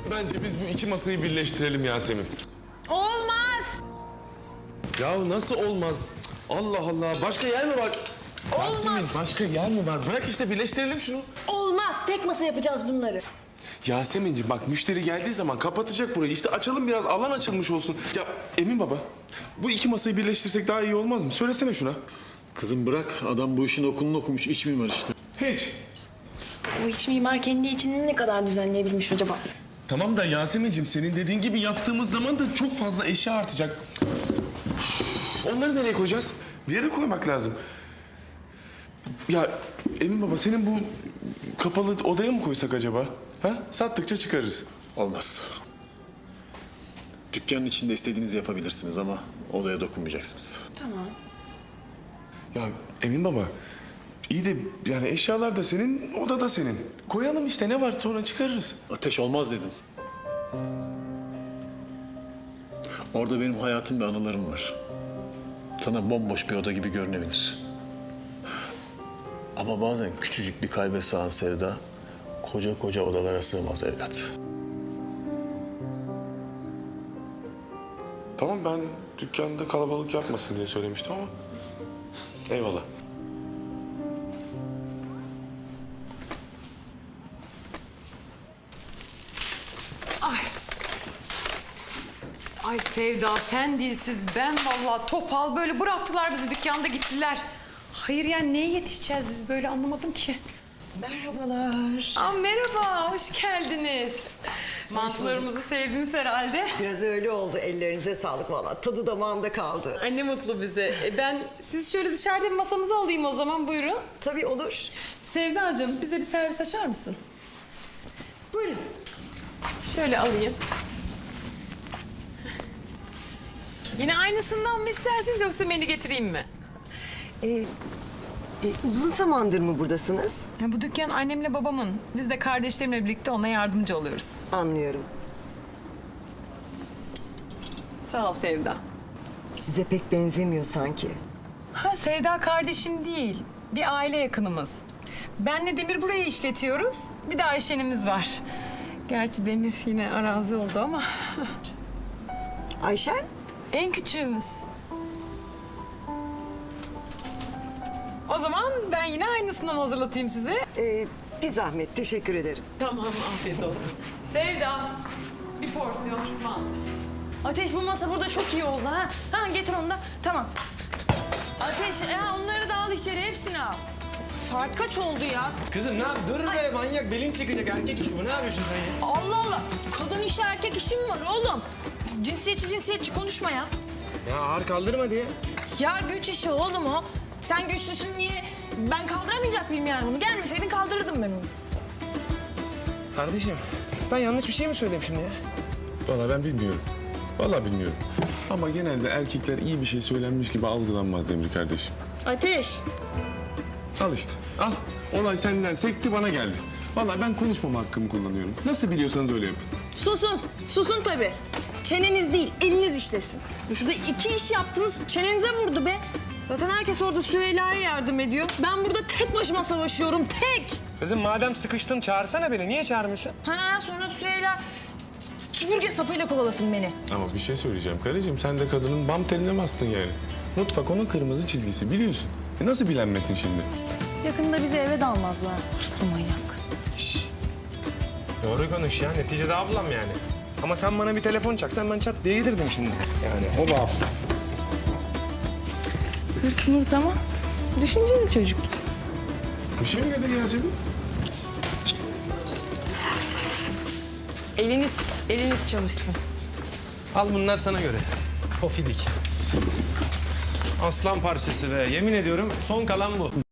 Bence biz bu iki masayı birleştirelim Yasemin. Olmaz. Ya nasıl olmaz? Allah Allah. Başka yer mi var? Olmaz. Yasemin başka yer mi var? Bırak işte birleştirelim şunu. Olmaz. Tek masa yapacağız bunları. Yasemin'ciğim bak müşteri geldiği zaman kapatacak burayı. İşte açalım biraz alan açılmış olsun. Ya Emin baba bu iki masayı birleştirsek daha iyi olmaz mı? Söylesene şuna. Kızım bırak, adam bu işin okulunu okumuş, iç mimar işte. Hiç. O iç mimar kendi içini ne kadar düzenleyebilmiş acaba? Tamam da Yasemin'ciğim senin dediğin gibi yaptığımız zaman da çok fazla eşya artacak. Onları nereye koyacağız? Bir yere koymak lazım. Ya Emin baba senin bu kapalı odaya mı koysak acaba? Ha? Sattıkça çıkarırız. Olmaz. Dükkanın içinde istediğinizi yapabilirsiniz ama odaya dokunmayacaksınız. Tamam. Ya Emin baba iyi de yani eşyalar da senin, oda da senin. Koyalım işte ne var sonra çıkarırız. Ateş olmaz dedim. Orada benim hayatım ve anılarım var. Sana bomboş bir oda gibi görünebilir. Ama bazen küçücük bir kalbe sığan sevda koca koca odalara sığmaz evlat. Tamam ben dükkanda kalabalık yapmasın diye söylemiştim ama eyvallah. Ay Sevda sen dilsiz ben vallahi topal böyle bıraktılar bizi dükkanda gittiler. Hayır yani neye yetişeceğiz biz böyle anlamadım ki. Merhabalar. Aa, merhaba hoş geldiniz. Mantılarımızı sevdiniz herhalde. Biraz öyle oldu. Ellerinize sağlık valla. Tadı damağımda kaldı. Ay ne mutlu bize. Ben siz şöyle dışarıda bir masamızı alayım o zaman buyurun. Tabii olur. Sevdacığım bize bir servis açar mısın? Buyurun. Şöyle alayım. Yine aynısından mı istersiniz yoksa menü getireyim mi? Uzun zamandır mı buradasınız? Ya bu dükkan annemle babamın. Biz de kardeşlerimle birlikte ona yardımcı oluyoruz. Anlıyorum. Sağ ol Sevda. Size pek benzemiyor sanki. Ha Sevda kardeşim değil. Bir aile yakınımız. Benle Demir burayı işletiyoruz. Bir de Ayşen'imiz var. Gerçi Demir yine arazi oldu ama. Ayşen? En küçüğümüz. O zaman ben yine aynısından hazırlatayım size. Bir zahmet. Teşekkür ederim. Tamam, afiyet olsun. Sevda, bir porsiyon mantı. Ateş bu masa burada çok iyi oldu ha. Ha getir onu da. Tamam. Ateş onları da al içeri hepsini al. Saat kaç oldu ya? Kızım ne yap? Dur be manyak belin çıkacak erkek işi bu. Ne yapıyorsun sen ya? Allah Allah. Kadın işi erkek işi mi var oğlum? Cinsiyetçi konuşma ya. Ya ağır kaldırma diye. Ya güç işi oğlum o. Sen güçlüsün diye ben kaldıramayacak mıyım yani bunu? Gelmeseydin kaldırırdım ben onu. Kardeşim ben yanlış bir şey mi söyledim şimdi ya? Vallahi ben bilmiyorum. Vallahi bilmiyorum. Ama genelde erkekler iyi bir şey söylenmiş gibi algılanmaz Demir kardeşim. Ateş. Al işte al. Olay senden sekti bana geldi. Vallahi ben konuşmama hakkımı kullanıyorum. Nasıl biliyorsanız öyle yapın. Susun. Susun tabii. Çeneniz değil, eliniz işlesin. Şurada iki iş yaptınız, çenenize vurdu be. Zaten herkes orada Süheyla'ya yardım ediyor. Ben burada tek başıma savaşıyorum, tek. Kızım madem sıkıştın çağırsana beni. Niye çağırmıyorsun? Ha sonra Süheyla süpürge sapıyla kovalasın beni. Ama bir şey söyleyeceğim karıcığım. Sen de kadının bam teline bastın yani. Mutfak onun kırmızı çizgisi biliyorsun. Nasıl bilenmesin şimdi? Yakında bizi eve de almaz bu ha. Hırslı manyak. Şşş. Doğru konuş ya. Neticede ablam yani. Ama sen bana bir telefon çaksan ben çat diye gelirdim şimdi. Yani o bağım. Hırt mırt ama düşünceli çocuk. Bir şey mi dedin Yasemin? Eliniz çalışsın. Al bunlar sana göre. Pofidik. Aslan parçası be. Yemin ediyorum son kalan bu.